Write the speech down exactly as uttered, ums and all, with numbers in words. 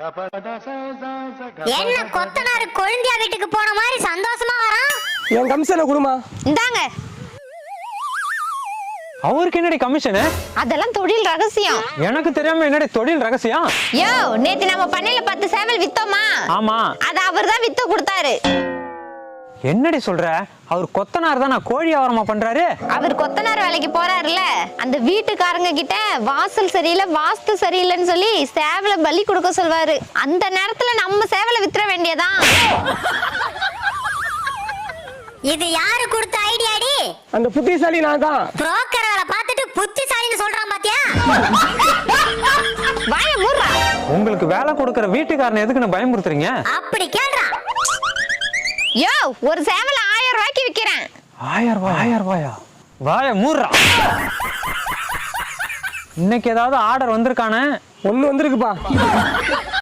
என்ன கொத்தனாரு கொழுந்தியா வீட்டுக்கு போன மாதிரி சந்தோஷமா வரான். என் கமிஷனை கொடுமா. இந்தாங்க. அவருக்கு என்னடி கமிஷனு? அதெல்லாம் தொழில் ரகசியம். எனக்கு தெரியாம என்னடி தொழில் ரகசியம்? யோ, நேத்து நம்ம பண்ணையில பத்து சேவல் வித்தோமா? ஆமா. அத அவர்தான் வித்து கொடுத்தாரு. என்னடி சொல்ற? அவர் கொத்தனார் தான், கோழி வியாபாரமா பண்றாரு. அவர் கொத்தனார் வேலைக்கு போறாருல, அந்த வீட்டுக்காரங்க கிட்ட வாசல் சரியில்லை வாஸ்து சரியில்லைன்னு சொல்லி சேவலை பலி கொடுக்க சொல்வாரு. அந்த நேரத்துல நம்ம சேவலை வித்துற வேண்டியதான். இது யாரு கொடுத்த ஐடியாடி? அந்த புத்திசாலி நான் தான். புரோக்கர் வேலை பார்த்துட்டு புத்திசாலின்னு சொல்றான் பாத்தியா? வாய மூடுறா. உங்களுக்கு வேலை கொடுக்கற வீட்டுக்காரனை எதுக்குன்னு பயமுறுத்துறீங்க? அப்படி கேள்றா. யோ, ஒரு சேவல் ஆயிரம் ரூபாய்க்கு விக்கிறேன். ஆயிரம் ரூபாய்? ஆயிரம் ரூபாயா? வாய மூடுறா. இன்னைக்கு ஏதாவது ஆர்டர் வந்திருக்கானே? ஒண்ணு வந்திருக்குப்பா.